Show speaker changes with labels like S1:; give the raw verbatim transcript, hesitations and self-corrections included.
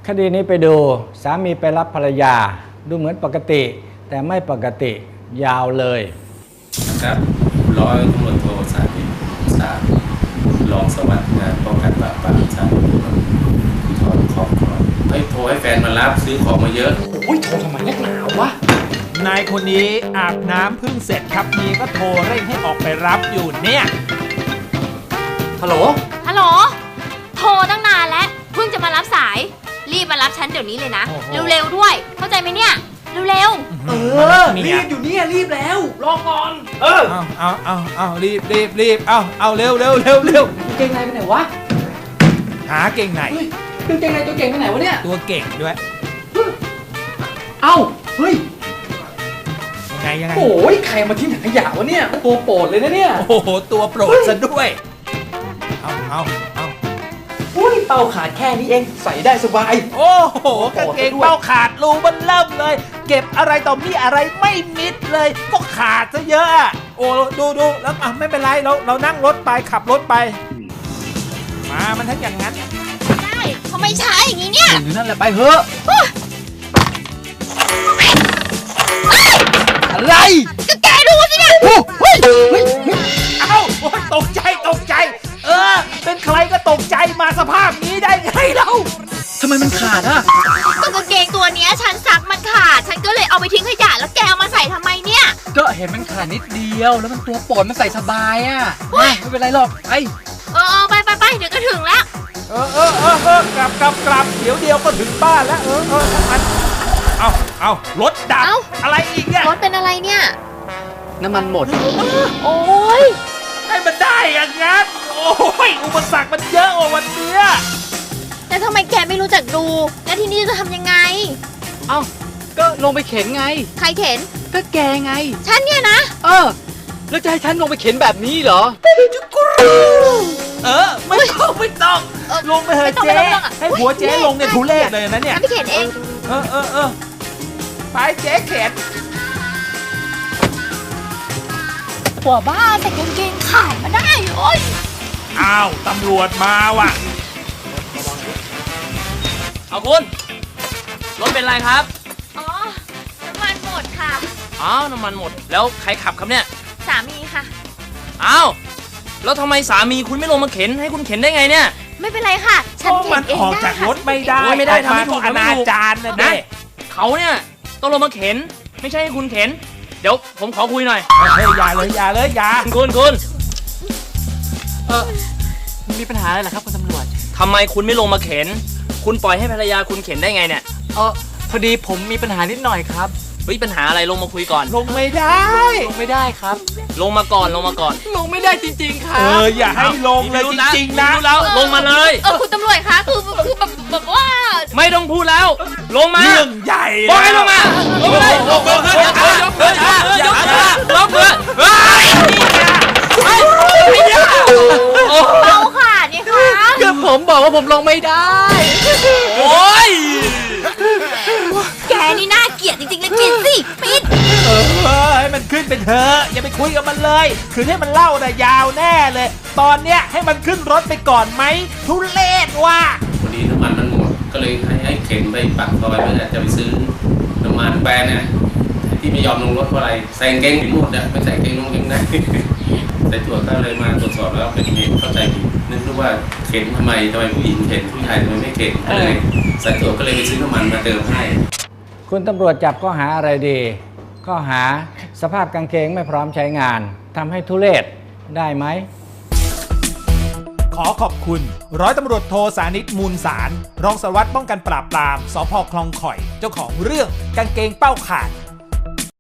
S1: คดีนี้ไปดูสามีไปรับภรรยาดูเหมือนปกติแต่ไม่ปกติยาวเลย
S2: นะครับร้อยตำรวจโทสาธิตสารรองสารวัตรงานป้องกันปราบปรามชาติภูธรครอบครัวให้โทรให้แฟนมารับซื้อของมาเยอะ
S3: โอ้ยโทรทำไมนักหนาวะ
S4: นายคนนี้อาบน้ำเพิ่งเสร็จครับมีก็โทรเร่งให้ออกไปรับอยู่เนี่ย
S3: ฮัลโหล
S5: ฮัลโหลโทรตั้งนานแล้วเพิ่งจะมารับสายรีบมารับฉันเดี๋ยวนี้เลยนะเร็วๆด้วยเข้าใจไหมเนี่ยเร็วๆ
S3: เออรีบอยู่เนี่ยรีบแล้วรอก่อนเออ
S4: เอาเอาเอาเอารีบรีบรีบเอาเอาเร็วเร็วเร็วเร็ว
S3: เก่งในไปไหนวะ
S4: หาเก่งไหน
S3: ตัวเก่งในตัวเก่งไปไหนวะเนี่ย
S4: ตัวเก่งด้วย
S3: เอ้าเฮ้ย
S4: ยังไงยังไง
S3: โอ้ยใครมาทิ้งถังขยะวะเนี่ยตัวโปรดเลยนะเนี่ย
S4: โอ้โหตัวโปรดซะด้วยเอาเอาเอา
S3: อุ้ยเป้าขาดแค่นี้เองใส่ได้สบาย
S4: โอ้โหกางเกงเป้าขาดรูมันเริ่มเลยเก็บอะไรต่อมีอะไรไม่มิดเลยก็ขาดซะเยอะโอ้ดูดูแล้วอ่ะไม่เป็นไรเราเรานั่งรถไปขับรถไปมามันทั้งอย่างนั้น
S5: ได้ทำไมช้าอย่างนี้เนี่ย
S3: หรือนั่นแหละไปเถอะอะไร
S5: ก็แกดูสิเนี่ย
S3: เฮ้ยเฮ้ย
S4: เอ้าตกใจตกใจเออเป็นใครก็ตกใจมาสภาพนี้ได้ไงเรา
S3: ทำไมมันขาดอ่ะ
S5: ก็กางเกงตัวนี้ฉันซักมันขาดฉันก็เลยเอาไปทิ้งขยะแล้วแกเอามาใส่ทำไมเนี่ย
S3: ก็เห็นมันขาดนิดเดียวแล้วมันตัวโปรดมันใส่สบายอ่ะไม่เป็นไรหรอกไอ
S5: เออไปไปไปเดี๋ยวก็ถึงแล้ว
S4: เออเออเออเออกลับกลับกลับเดี๋ยวเดียวก็ถึงบ้านแล้วเออเออมันเอาเอารถดับอะไรอีกเนี่ย
S5: รถเป็นอะไรเนี่ย
S3: น้ำมันหมด
S5: โอ้ย
S4: ให้มันได้อย่างงั้นโอ้ยอุปสรรคมันเยอะกว่าวันเนี้ย
S5: แต่ทำไมแกไม่รู้จักดูแล้วทีนี้จะทำยังไง
S3: เอ้าก็ลงไปเข็นไง
S5: ใครเข็น
S3: ก็แกไง
S5: ฉันเนี่ยนะ
S3: เออแล้วจะให้ฉันลงไปเข็นแบบนี้เหรอ
S4: เออไม่ต้องไม่ต้องลงไปเถอะเจ๊ให้หัวเจ๊ลงเนี่ยทุเรศเลยนะเนี่ย
S5: ฉันไปเข็นเอง
S4: เออเออเออไปเจ๊เข็น
S5: หัวบ้าแต่กางเกงขาดมาได้โอ้ย
S4: อ้าวตำรวจมาว่ะ
S6: เอาคุณรถเป็นไรครับ
S5: อ๋อน้ำมันหมดค่ะ
S6: อ๋อน้ำมันหมดแล้วใครขับครับเนี่ย
S5: สามีค่ะ
S6: อ้าวแล้วทำไมสามีคุณไม่ลงมาเข็นให้คุณเข็นได้ไงเนี่ย
S5: ไม่เป็นไรค่ะฉันเข็นเองได้ค่ะ
S4: ออกจากรถไม่ได้
S6: ไม่ได้ทำให้ถูก
S4: อนาจารนะเนี่ย
S6: เขาเนี่ยต้องลงมาเข็นไม่ใช่ให้คุณเข็นเดี๋ยวผมขอคุยหน่อย
S4: เฮ้ยอย่าเลยอย่าเลยอย่า
S6: คุณคุณ
S3: เออมีปัญหาอะไรเหรอครับคุณตำรวจ
S6: ทำไมคุณไม่ลงมาเข็นคุณปล่อยให้ภรรยาคุณเข็นได้ไงเนี่ย
S3: เออพอดีผมมีปัญหานิดหน่อยครับ
S6: เฮ้ยปัญหาอะไรลงมาคุยก่อน
S4: ลงไม่ได้
S3: ลงไม่ได้ครับ
S6: ลงมาก่อนลงมาก่อน
S3: ลงไม่ได้จริงๆครับ
S4: เอออย่าให้ลงเลยจริงๆนะ
S6: รู้แล้วลงมาเลย
S5: เออคุณตำรวจคะคือคือแบบแบบว่า
S6: ไม่ต้องพูดแล้วลงมา
S4: เรื่องใหญ่
S6: บอกให้ลงมาลงมาเลยลงมาเลยยกมือยกมือยกมือยกมือเฮ้ย
S5: เบาค่ะนี่ค่ะ
S3: คือผมบอกว่าผมลงไม่ได้
S6: โอ้ย
S5: แกนี่น่าเกลียดจริงๆเลยปิดสิปิด
S4: เออให้มันขึ้นไปเถอะอย่าไปคุยกับมันเลยคือให้มันเล่าแต่ยาวแน่เลยตอนเนี้ยให้มันขึ้นรถไปก่อนไหมทุเรศว่ะ
S2: พอดีน้ำมันมันหมดก็เลยให้ให้เข็นไปปากซอยเพื่อจะไปซื้อน้ำมันแบรนด์เนี่ยที่ไม่ยอมลงรถเพราะอะไรใส่กางเกงผิดหมดอะไม่ใส่กางเกงลงเองได้สายตรวจก็เลยมาตรวจสอบแล้วเป็นเหตุเข้าใจผิดนึกว่าเข็นทำไมทำไมผู้หญิงเข็นผู้ชายทำไมไม่เข็นก็เลยสายตรวจก็เลยไปซื้อน้ำมันมาเติมให้
S1: คุณตำรวจจับข้อหาอะไรดีข้อหาสภาพกางเกงไม่พร้อมใช้งานทำให้ทุเรศได้ไหม
S4: ขอขอบคุณร้อยตำรวจโทสานิตมูลสารรองสารวัตรป้องกันปราบปรามสภ.คลองข่อยเจ้าของเรื่องกางเกงเป้าขาด